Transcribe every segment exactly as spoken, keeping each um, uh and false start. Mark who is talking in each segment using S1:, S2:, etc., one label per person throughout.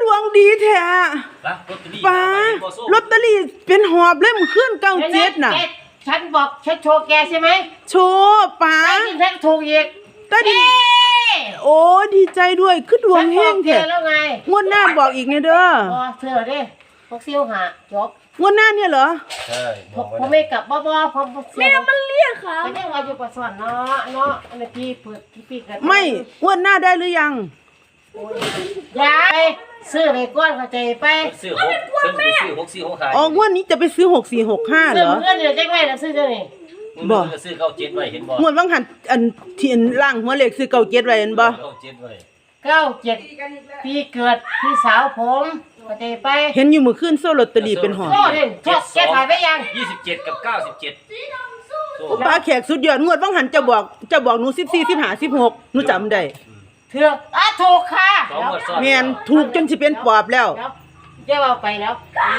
S1: ดวงดีแท้ป้าลอตเตอรี่เป็นหอบเลยมันขึ้นเก้าเจ็ดน่ะ
S2: ฉันบอกฉันโชว์แกใช่ไหม
S1: โชว์ป้า
S2: ได้ยินฉันถูกอีก
S1: ได้ดิโอ้ดีใจด้วยคือดวงแห้งแท้งวดหน้าบอกอีกเนี่ยเด้อ
S2: อ๋อเธอเด้พวกซิวหาจบ
S1: งวดหน้าเนี่ยเหรอ
S3: ใช่
S2: ผมไม่กลับบ่บ่ผม
S1: แม่มันเรียกค่ะ
S2: มันยังว่าอยู่ประสวนเนาะเนาะอันนี้พี่เปิดพี่พี่กัน
S1: ไม่งวดหน้าได้หรือยัง
S2: ยายซื้อไปก้อนเข้าใจไป
S3: ซื้อหกซื้อหกสี่หกขาย
S1: อ๋องวดนี้จะไปซื้อหกสี่หกห้าเหรอ
S2: ซื้อเงินเดี๋ยวแจ้งไว้แล้วซื้อเท่านี้
S3: บ่ซื้อเก้าเจ็ดไว้เห็นบ่
S1: งวดบางหันอันที่อันล่างหัวเลขซื้อเก้าเจ็ดไว้เห็นบ่
S3: เก้าเจ็ดไว้
S2: เก้าเจ็ดปีเกิดพี่สาวผมเข้าใจไป
S1: เห็นอยู่มื้อคืนโซ่ลอตเตอรี่เป็นหอ
S2: โซ่เด่นโซ่แกถ่ายไปยัง
S3: ยี่สิบเจ็ดกับเก้าสิบเจ็ด
S1: ป้าแขกสุดยอดงวดบางหันจะบอกจะบอกหนูสิบสี่ สิบห้า สิบหกหนูจำได้
S2: เธออ่ะถูกค่ะ
S1: แม่นถูกจนสิเป็นปอบแล้ว
S2: เจ้าเอาไปแล้ว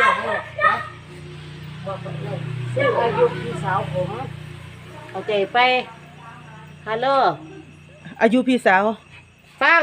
S2: ซึ่งอายุพี่สาวผมเข้าใจไปฮัลโหล
S1: อายุพี่สาว
S2: ฟัง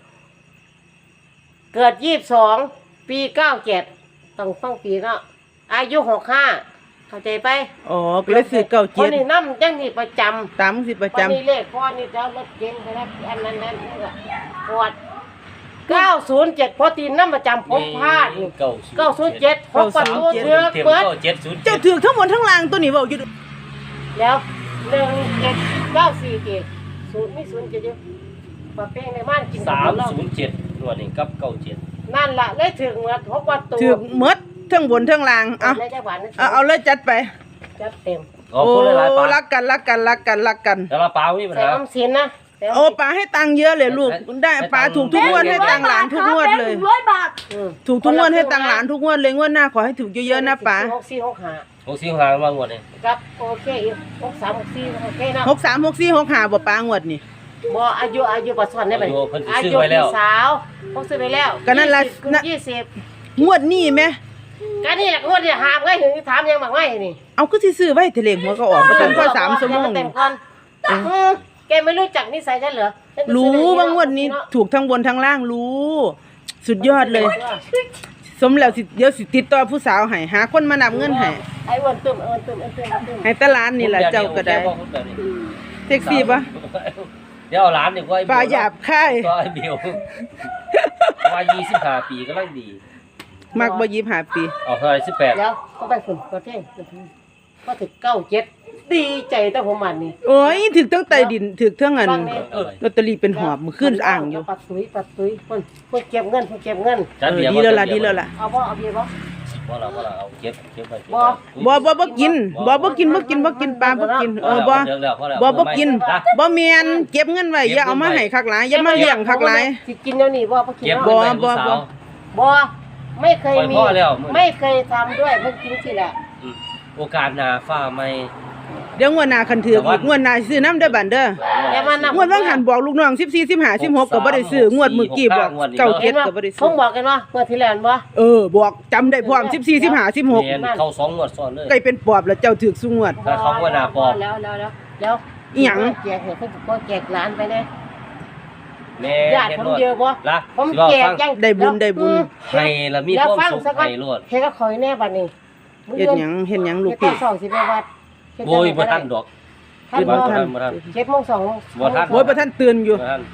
S2: เกิดยี่สิบสองปีเก้าเจ็ดต้องฟังปีเนาะอายุหกห้าเข้าใจไป
S1: อ๋อก็เลยซื้อเก้าเจ็ด
S2: คนนี้น้ำจังนี่ประจำ
S1: ตามสิประจำ
S2: วันนี้เลขพ่อนี่เจ้ารถเก๋งไปแล้วอันนั้นนั่นปวดเก้าศูนย์เจ็ดพอตีนน้ำประจำผมพลาดเก้าศูนย์เจ็ดพบประตูเถือกเปิด
S1: เจ้าถือทั้งหมดทั้งรางตัวนี้บอกอยู่
S2: แล้วหนึ่งเจ็ดเก้าสี่เจ็ดศูนย์ไม่ศูนย์เจ็ดเยอะปะเป้งในบ้านกิน
S3: สามศูนย์เจ็ดตัวนี้กับเก้าเจ็ด
S2: นั่นแหละเลยถึงเหมือนพบประตู
S1: ถึงเมื่อทั้งบนทั้งล่างเอาเอาเอาเลยจัดไป
S2: จัดเต็ม
S1: โอ้รักกันรักกันรักกันรักกัน
S3: แต่ละปลาไม่มีปัญหา
S2: ใส่อมสินนะ
S1: โอ้ปลาให้ตังค์เยอะเลยลูกได้ปลาถูกทุกงวดให้ตังค์หลานทุกงวดเลยถูกทุกงวดให้ตังค์หลานทุกงวดเลยงวดหน้าขอให้ถูกเยอะๆนะปลา
S2: หกสี่หกห้า
S3: หกสี่หกห้ามางวดนี้
S2: ครับโอเคอีกหกสามหกสี่โอเคนะ
S1: หกสามหกสี่หกห้าบ่ปลางวดนี่
S2: บ่อายุอายุปัจจุบันได้ไหม
S3: อายุพี่
S2: สาวพกซื้อไปแล้ว
S1: ก็นั่นละ
S2: ยี่สิบ
S1: งวดนี้ไหม
S2: ก็นี่แหละงวดที่หามไงถึงถามยังบางไงนี่
S1: เอาก็ซื้อไว้ทะเลหัวก็ออกมาตั้งแค่สามชั่วโมง
S2: แกไม่รู้จักนิสัยฉันเหรอ
S1: รู้ว่างวดนี้ถูกทั้งบนทั้งล่างรู้สุดยอดเลยสมแล้วสิเดี๋ยวสิติดต่อผู้สาวให้หาคนมานำเงินให้
S2: ไอ้วันตึมเอินตึมเอินตึม
S1: ให้ตลาดนี่แหละเจ้าก็ได้เซ็กซี่ปะ
S3: เดี๋ยวเอาร้านดีกว่า
S1: ปลาหยาบค่าย
S3: ก็ไอ้เบลว่ายี่สิบห้าปีก็ร่างดี
S1: มากบ่ยี่สิบห้าปี
S3: เอาเท่าไหร่สิบแปด
S2: แล้วก็ไปฝุ่นประเทศก็ถึงเก้าเจ็ดดีใจตั้งหัวมันนี่
S1: โอ้ยถึงตั้งใต้ดินถึงเท่าเงินลอตเตอรี่เป็นหอบมือขึ้นอ่างอยู่
S2: ปัดตุ้ยปัดตุ้ยคนคนเก็บเงินคนเก็บเงิน
S1: ดีแล้วล่ะดีแล้วล่ะ
S2: เอาบ่เอาเบียร์บ่
S3: บ่เราบ่เราเอาเก็บเก็บไป
S2: บ่
S1: บ่บ่บ่กินบ่บ่กินบ่กินบ่กินปลาบ่กินเออบ่บ่บ่กินบ่แม่นเก็บเงินไว้อย่าเอามาให้คักหลายอย่ามาเลี้ยงคักหลาย
S2: สิกินเดี๋ยวนี้บ่บ่กิน
S1: บ่บ่บ่
S2: บ่ไม่เคยมีไม่เคยทำด้วยเพิ่งกินสิแหละ
S3: โอกาสหน้าฟ้าไม่
S1: เดี๋ยวงวดหน้าคันถืออีกงวดหน้าซื้อน้ำได้บัดเด้องวดว่างหันบอกลูกน้องสิบสี่ สิบห้า สิบหกก็บ่ได้ซื้องวดมื้อกี้บอกเก้าเจ็ดก็บ่ได้ซื้อ
S2: ผมบอกกันว่าเมื่อที่แล้วบ่
S1: เออบอกจำได้พร้อมสิบสี่ สิบห้า สิบหก
S3: เข้าสองงวดซ้อนเลย
S1: ใกล้เป็นปอบแล้วเจ้าถูกซุงวด
S3: ถ้าเขาว่าหน้าปอบ
S2: แล้วแล้วแล้วแล้ว
S1: อีหยัง
S2: แจกให้เพิ่นก็แจกหลานไปแน่
S3: แม่
S2: ญาติผมเยอะบ่ผมแจกยัง
S1: ได้บุญได้บุญ
S3: ให้ละมีความสุขให้รอด
S2: เฮ็ดก็ขอยแน่บัดนี้
S1: เฮ็ดหยังเฮ็ดหยังลูกพี่
S2: สองสิไปวัด
S3: โอ้ยบ่ทันดอก
S2: บ่ทันบ่ทันเจ็ดโมงสอง
S3: บ่ทัน
S1: โอ้ยบ่ทันตื่นอยู่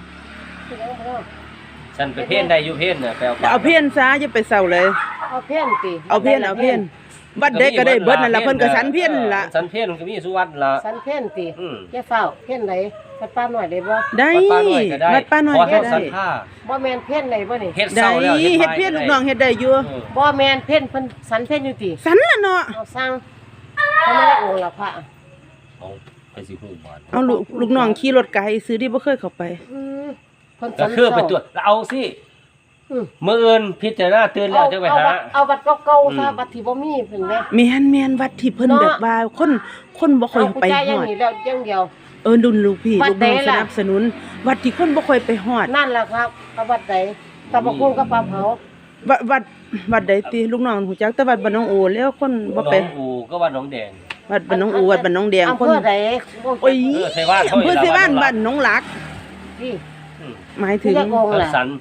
S3: ฉันไปเพ่นได้อยู่เพ่นน่ะไปเอา
S1: เอาเพ่นซะอย่าไปเศร้าเลย
S2: เอาเพ่นติ
S1: เอาเพ่นเอาเพ่นวัดใดก็ได้เบิดนั่นล่ะเพิ่นก็สันเพ่นล่ะ
S3: สันเพ่นก็มีสุวัดล่ะ
S2: สันเพ่นติแค่เฝ้าเพ่นไหนวัดป้าหน่อยได้บ่
S1: ได้วัดป้าหน่อยก็ได้
S2: บ่แม่นเพ่นไหนบ่นี่
S3: เฮ็ดเศร้าแล้ว
S1: เฮ็ดเพ่นลูกน้องเฮ็ดได้อยู่
S2: บ่แม่นเพ่นเพิ่นสันเพ่นอยู่ติ
S1: สันล่ะเนาะ
S2: เอาสร้างเขาไม่ได้องค์ละพระ
S3: เอาไปสิฮู้บ่
S1: เอาลูกลูกน้องขี่รถไกลซื้อที่บ่เคยเข้าไป
S2: อือ
S3: เพิ่นก็คือไปตรวจเอาสิมื้ออื่นพิจารณาตื่นแล้วจังไปหา
S2: เอาวัดเก่าๆซะวัดที่บ่มีเพิ่นแม่
S1: แม่นแม่นวัดที่เพิ่นแบบว่าคนคนบ่ค่อยไปฮอด
S2: อย่างนี้แล้วอย่างเดียว
S1: เออดุลลูกพี่ลูกน้องสนับสนุนวัดที่คนบ่ค่อยไปฮอด
S2: นั่นล่ะครับวัดใดตะบกคุ้งกับปลาเผา
S1: วัดวัดวัดใดติลูกน้องฮู้จักแต่วัดบ้านน้องโอแล้วคนบ่ไป
S3: น้องโอก็วัดน้องแดง
S1: วัดบ้านน้องโอวัดบ้านน้องแดง
S2: คนอำเภอใด
S1: โอ้ยอำเภอไสบ้านบ้านน้องหลัก
S2: นี่
S1: หมายถึง
S3: สัน
S1: โอ้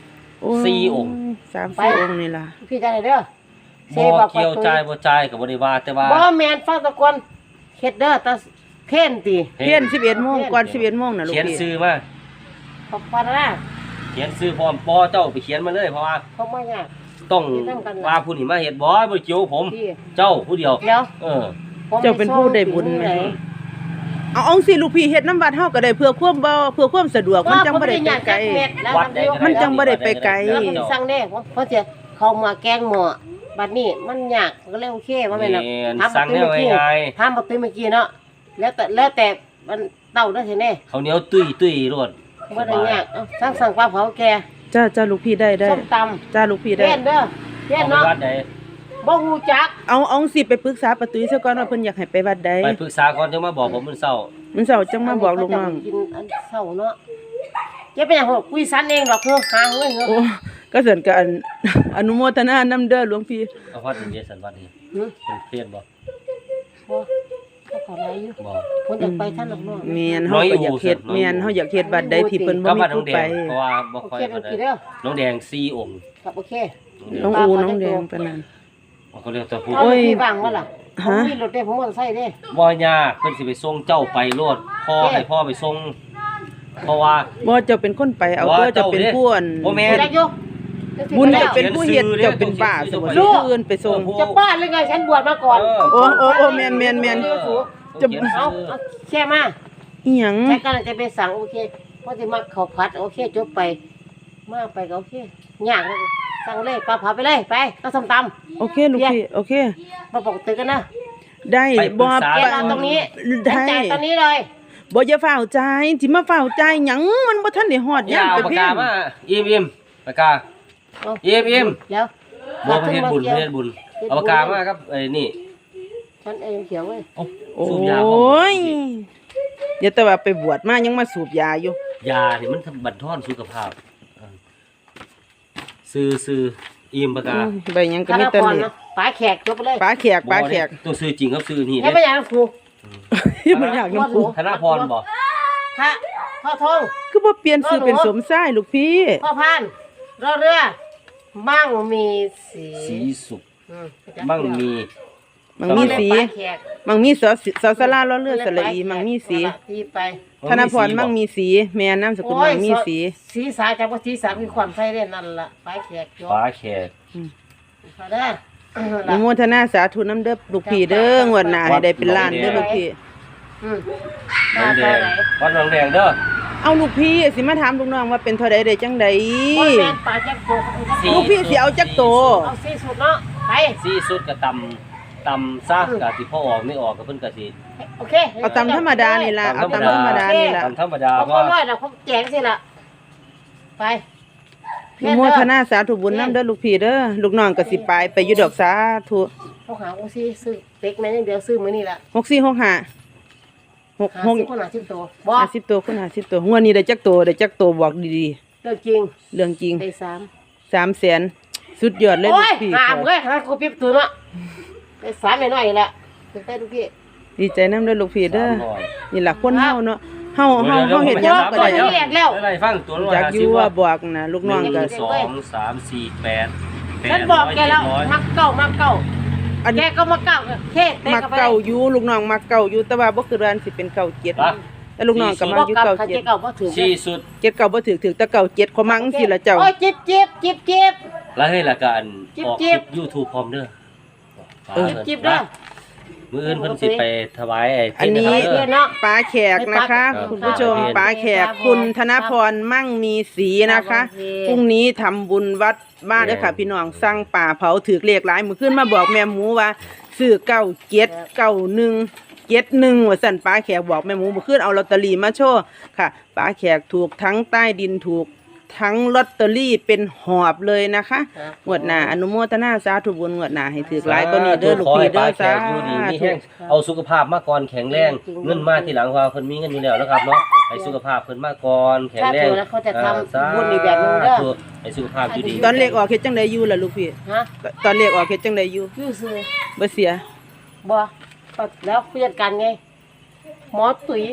S3: สี่องค์
S1: สามสี่องค์นี่ล่ะ
S2: พี่จะได้เด้อเซ
S3: บ่
S2: บอก
S3: เกี่ยวใจายบ่จ่ายก็บ่ได้ว่าแต่ว่า
S2: บ่แม่นฟังตะกอนเฮ็ดเด้อตะเพ่นติ
S1: เพี้ยนสิบเอ็ดโมงก่อนสิบเอ็ดโมงน่ะลูก
S3: เขียน
S1: พี่
S3: ชื่อมา
S2: ขอบคุณนะ
S3: เขียนชื่อพร้อมปอเจ้าไปเขียนมาเลยเพราะว่า
S2: เขาบ่ยาก
S3: ต้อง
S2: เขียนนำกันล่ะ
S3: ว่าผู้นี้มาเฮ็ดบ่บ่เกี่ยวผม
S2: พี่
S3: เจ้าผู้เดียว
S2: เดี๋ยว
S3: เออ
S2: ผม
S1: เจ้าเป็นผู้ได้บุญไหม เอาเอาสิลูกพี่เฮ็ดน้ำวัดเฮาก็ได้เพื่อความบ่เพื่อความสะดวกมันจังบ่ได้ไปไกล
S3: วัดใดก็ได้
S1: มันจังบ่ได้ไปไกล
S2: แล้วมันสั่งแน่เพราะจะเขามาแกงหม้อบัดนี้มันยากก็เลยโอเคว่าแม่น
S3: แม่นสั่งแนวง่าย
S2: ถามบ่ตื้อเมื่อกี้เนาะแล้วแต่แล้วแต่มันเต้าได้แท้แน่
S3: ๆข้าวเหนียวตุ้ยตุ้ยรวด
S2: บ่ได้ยากเอาสั่งสั่งปลาเผาแก
S1: จ้าจ้าลูกพี่ได้ได้
S2: ส้มตำ
S1: จ้าลูกพี่ได้
S2: เล่นเด้อเล่น
S3: เอาไป
S2: เนาะ
S3: วัดใด
S2: บ่ฮู้จัก
S1: เอาเอาสิไปปรึกษาป้าตุ้ยซะก่อนว่าเพิ่นอยากให้ไปวัดใด
S3: ไปปรึกษาก่อนจังมาบอกผมมื้อเช้า
S1: มันเช้าจังมาบอกลูกน้อง
S2: กินอันเช้าเนาะอย่าไปหยังหรอกคุยสันเองดอกเด้อหาเงินเด้อ
S1: โอ้ก็เสริญกับอัน อนุโมทนานำเด้อหลวงพี่
S3: เอาวัดนี้สันวัดนี้
S2: หึ
S3: เป็นเพี้ยนบ่
S2: บ่เขาขออะไรอยู่
S3: บ่
S2: เพิ่นอยากไปท่านดอกเนาะ
S1: แม่นเฮาก็อยากเฮ็ดแม่นเฮาอยากเฮ็ดวัดใดที่เพิ่นบ่
S3: ก็
S1: มี
S3: วัดน้อ
S1: ผู้
S3: งแด
S1: ไป
S3: งเพราะว่าบ่
S2: โอ
S3: ค่อย
S2: เค
S3: ปาน
S2: โอเค
S3: ใด
S2: เด้อ
S3: น้องแดงสี่องค์
S2: ครับโอเค
S1: น้องอูน้องแดงปานนั้น
S3: เขาเรียกตัวผู้
S2: เอาพี่บ้างว่าล่ะผม
S1: ฮะ
S2: มีรถเด้ผมมอเตอร์ไซค์เด้
S3: บ่ยากเพิ่นสิไปส่งเจ้าไปโลดพ่อให้พ่อไปส่งเพราะว่า
S1: บ่เจ้าเป็นคนไปเอาเด้อเจ้าเป็นผู้อัน
S3: บ่แม่
S2: จักอยู่
S1: บุญจะเป็นผู้เฮ็ดเจ้าเป็นป้าสมมุติผู้อื่นไปส่ง
S2: จะบ้าหรือไงฉันบวชมาก่อน
S1: โอ้โอ้โอ้แม่นแม่นแม่น
S3: จะ
S2: เอาเอาแค่มา
S1: อีหยัง
S2: แค่กำลังจะไปสั่งโอเคเพราะจะมาข้าวผัดโอเคจบไปมาไปก็โอเคยากเลยสั่งเลยปลาเผาไปเลยไปก็ส้มต
S1: โอเคลูกพี่โอเค
S2: ำมาบอกตื่นกันนะ
S1: ได้บ่
S2: แกรอตรงนี้
S1: ได้
S2: จ่ายตอนนี้เลย
S1: บ่อย่าฝ้าวใจายสิมาฝ้าวใจายหยังมันบ่ทันได้ฮอด
S3: อย่าย
S1: าม
S3: เอา
S1: ไป
S3: ปาก
S1: เพีย
S3: กาง มาอิ่มอิ่มปากกา
S2: เอา
S3: อิ่มอิ่ม
S2: แล้ว
S3: บ่ประเทศบุญประเทศบุญเอาปากกามาครับไอ้นี่
S2: ฉันเองเขียวเว้ย
S3: โอ้
S1: โอ้
S3: สูบยาพร้อม
S1: ยอย่าแต่ว่าไปบวชมายังมาสูบยาอยู่
S3: ยาที่มันบั่นทอนสุขภาพเออซื้อซื้ออิ่มปากกา
S1: อืมใบหยังก็
S2: ธ
S1: มี
S2: น
S1: แต่
S2: พร
S1: เล็
S2: เนาะปลาแขกจบไปเลย
S1: ปลาแขกปลาแขก
S3: ตัวซื้อจริงครับซื้อนี่
S2: ให้
S3: เด้
S2: ไปอย่างนั้นครู
S1: มันอยากน้ำปู
S3: ธนพรบ่
S2: พระพ่อทอง
S1: คือบ่เปลี่ยนชื่อเป็นสมชายลูกพี่
S2: พ่อพานรอเรือมั่งมีสี
S3: สีสุข
S2: อืม
S3: มั่งมี
S1: มังมีสี
S2: ปลาแขก
S1: มังมีสอสอสลาล้อเลือดสระอีมังมีสี
S2: ที่ไป
S1: ธนพรมังมีสี แม่นามสกุลมังมีสี
S2: สีสาจากว่าสีสามีความใส่เล่นนั่นล่ะปลาแขกจบ
S3: ฟ้าแขก
S2: พอได้
S1: อนุโมทนาสาธุน้ำเด้อลูกพี่เด้องวดหน้าให้ได้เป็นล้านเด้อลูกพี่
S2: อืม
S3: น้องแด
S2: มา
S3: ง
S2: ไหน
S3: วัดน้องแดงเด้อ
S1: เอาลูกพี่สิมาถามลูกน้องว่าเป็นเท่าใดได้จังใด
S2: โอ้ยแม่นปลาแขกโต
S1: ลูกพี่สิเอาจักโต
S2: เอาสีสุดเนาะไป
S3: สีสุดก็ตำตำซะกะสิพ่อออกไม่ออกก็เพิ่นก็สิ
S2: โอเค
S1: เอาตามธรรมดานี่ล่ะเอาตามธรรมดานี่ล่ะ
S3: ตำธรรมดา
S2: เอา
S3: เพ
S2: คน
S3: ราะ
S2: ร้อยนะเขาแจงสิล่ะไป
S1: อนุโมทนาสาธุบุญน้ำเด้อลูกพี่เด้อลูกน้องก็สิไปไปอยู่ดอกสาธุ
S2: เขาหาโอ้สิซื้อเต็กแม่นเดียวซื้อมื้อนี้ล่ะ
S1: หกสี่หกห้าหก
S2: หา
S1: หก
S2: สิบคนหาสิบตัวบ่
S1: ห้าสิบตัวคุณห้าสิบตัวงวดนี้ได้จักตัวได้จักตัวบอกดี
S2: เรื่องจริง
S1: ๆเรื่องจริง
S2: ได้สาม
S1: สามแสนสุดยอดเลย
S2: โอ้
S1: ลู
S2: ย
S1: กพี่
S2: หามเว้ยหากูปิ๊บตัวเนาะได้สามน้อยๆแหละถึงได้ลูกพี่
S1: ดีใจน้ำเด้อลูกพี่เด้อ
S3: สามร้อย
S1: นี่ล่ะคนเฮาเนาะเฮาเฮาเฮาเฮ็ดห
S2: ดี๋
S1: ยั
S2: ว
S1: งก็ได้
S2: ดี๋ยว
S3: ได้ฟังตัวละ
S1: อยาก
S3: ห้า
S1: อ
S3: สิบ
S1: ยู่ว่า
S3: ว่า
S1: บอกนะลูกน้องก็
S3: สองสามสี่แปดแปด
S2: ฉันบอกแกแล้ว
S3: ร้อย
S2: มักเก่ามักเก่า
S1: อัน
S2: แกก็มาเก่าเท่เต้
S1: มัก
S2: กับไป
S1: เก่าอยู่ลูกน้องมักเก่าอยู่แต่ว่าบ่คือร้านสิเป็นเก่าเจ็ด
S3: ปะ
S1: แต่ลูกน้องก็มั
S2: บ่
S1: กอยู่
S2: เก่า
S1: เก่า
S2: เขา
S1: เจ็
S2: เจ๊
S1: ด
S2: เก่าบ่ถือ
S3: สี่สุด
S1: เจ็ดเก่าบ่ถือถือแต่เก่าเจ็ดขอมังสิล่ะเจ้า
S2: โอ้ยจิบจิบจิบจิบ
S3: แล้วให้ละกัน
S2: จิ๊บ
S3: ออกค
S2: จิ๊
S3: ลิ
S2: บ
S3: ป YouTube พร้อมเด้อ
S1: เออ
S2: จิบจิบเด้อ
S3: มื้ออื่นเพิ่นสิไปถวายไอ้
S1: อันนี้
S3: เทศ
S2: เพื่
S3: เด้
S2: อ
S3: อน
S2: เนาะ
S1: ป้าแขกนะคะ
S3: ครับ
S1: คุณผู้ชม
S3: ครับ
S1: ป้าแขกคุณธนพรมั่งมีสีนะคะ
S2: โอเค
S1: พรุ่งนี้ทำบุญวัดบ้านเด้อค่ะพี่น้องสั่งป่าเผาถือเลขหลายมื้อขึ้นมาบอกแม่หมูว่าซื้อเก้าเจ็ดเก้าหนึ่งเจ็ดหนึ่งว่าสั่นป้าแขกบอกแม่หมูมื้อขึ้นเอาลอตเตอรี่มาโชว์ค่ะป้าแขกถูกทั้งใต้ดินถูกทั้งลอตเตอรี่เป็นหอบเลยนะคะงวดหน้าอนุโมทนาสาธุบุญงวดหน้าให้ถือหลายก็นี่เด้อลูกพี่เด้อ
S3: ข
S1: สา
S3: ให้ป้าแขกอยู่ดีมี
S1: ธุ
S3: แห้งเอาสุขภาพมาก่อนแข็งแรง เงินมาทีหลังว่าเพิ่นมีเงินอยู่แล้วนะครับเนาะให้สุขภาพเพิ่นมาก่อนแข็งแรง
S2: ถ้าเจอแล้วเขาจะทำ
S3: อ่า
S2: บุญอีกแบบนึงเด้อ
S3: สาธุให้สุขภาพอยู่ดี
S1: ตอนเลขออกเฮ็ดจังไดอยู่ล่ะลูกพี่
S2: ฮะ
S1: ตอนเลขออกเฮ็ดจังไดอยู่
S2: อยู่ซื้อ
S1: บ่เสีย
S2: บ่แล้วผู้จัดการไง หมอตุ๋ย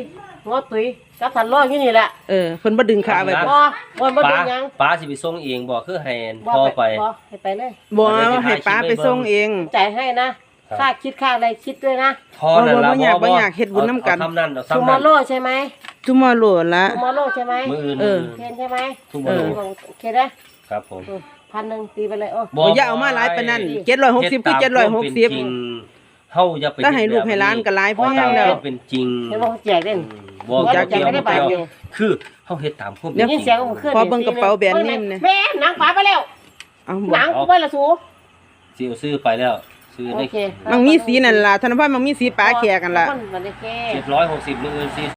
S2: หัวตุ้ยกับทันร้อยอยู่นี่แหละ
S1: เออเพิ่นบ่ดึงขาไว้
S2: บ่
S1: บ่
S2: บ่บ่
S3: ป้า
S2: ดึงหยัง
S3: ป้าสิไปส่งเองบ่คือให้
S2: บ่
S3: พ่อไป
S2: บ่ให้ไปเลย
S1: บ่ให้ป้าไปส่งเอง
S2: จ่ายให้นะค่าคิดค่าอะไรคิดด้วยนะ
S3: พอนั่นล่ะ
S1: บ่อยากบ่อยากเฮ็ดบุญนำกัน
S3: เอาทำนั่นเอา
S2: ทู
S3: ทำ
S2: มอ
S3: นั่น
S2: โร่ใช่ไหม
S1: จุมอโลละ
S2: ทูมอโร่ใช่ไหม
S3: มื้ออื่น
S1: เออ
S2: เทนใช่ไหม
S3: ทุก
S1: เอ
S3: มื้
S1: อ
S3: อ
S2: โอเคนะครับ
S3: ผม
S2: พันหนึ่งตีไปเลยโอ้
S1: บ่อย่าเอามาหลายปานนั้นเจ็ดร้อยหกสิบคือเจ็ดร้อยหกสิบ
S3: เฮ็ดตามความเป็นจริงเฮาอย่าไป
S1: ถ้าให้ลูกให้หลานก็หลายพอ
S3: เฮ็ดตาม
S1: แล้ว
S3: ความเป็นจริง
S2: เห็นว่าเขาแจกเล่น
S3: บ่
S2: แจ
S3: เกี่
S2: ก
S3: ยว
S2: ไม่ได้
S3: บ่
S2: บาท
S3: เกี่ยว
S2: เดียว
S3: คือเฮาเฮ็ดตามความเป็น
S1: เดี๋ยว
S3: จ
S2: ยิ
S3: ริ
S2: น
S3: ง
S2: เสียงของเคลื่อน
S1: พอเบิ่งกระเป๋าแบรนด์เนมเนี่ย
S2: แม่หนังป๋าไปแล้ว
S1: เอา
S2: ห
S1: บ่
S2: นังกูไปละสู
S3: สิเอาซื้อไปแล้วซื้อ
S2: โอ
S3: ได้
S2: เค
S1: มันมีสีนั่นล่ะธนพัฒน์มันมีสีปลาแขกกันล่ะ
S2: มันได้แค่
S3: เจ็ดร้อยหกสิบมื้ออื่นสิ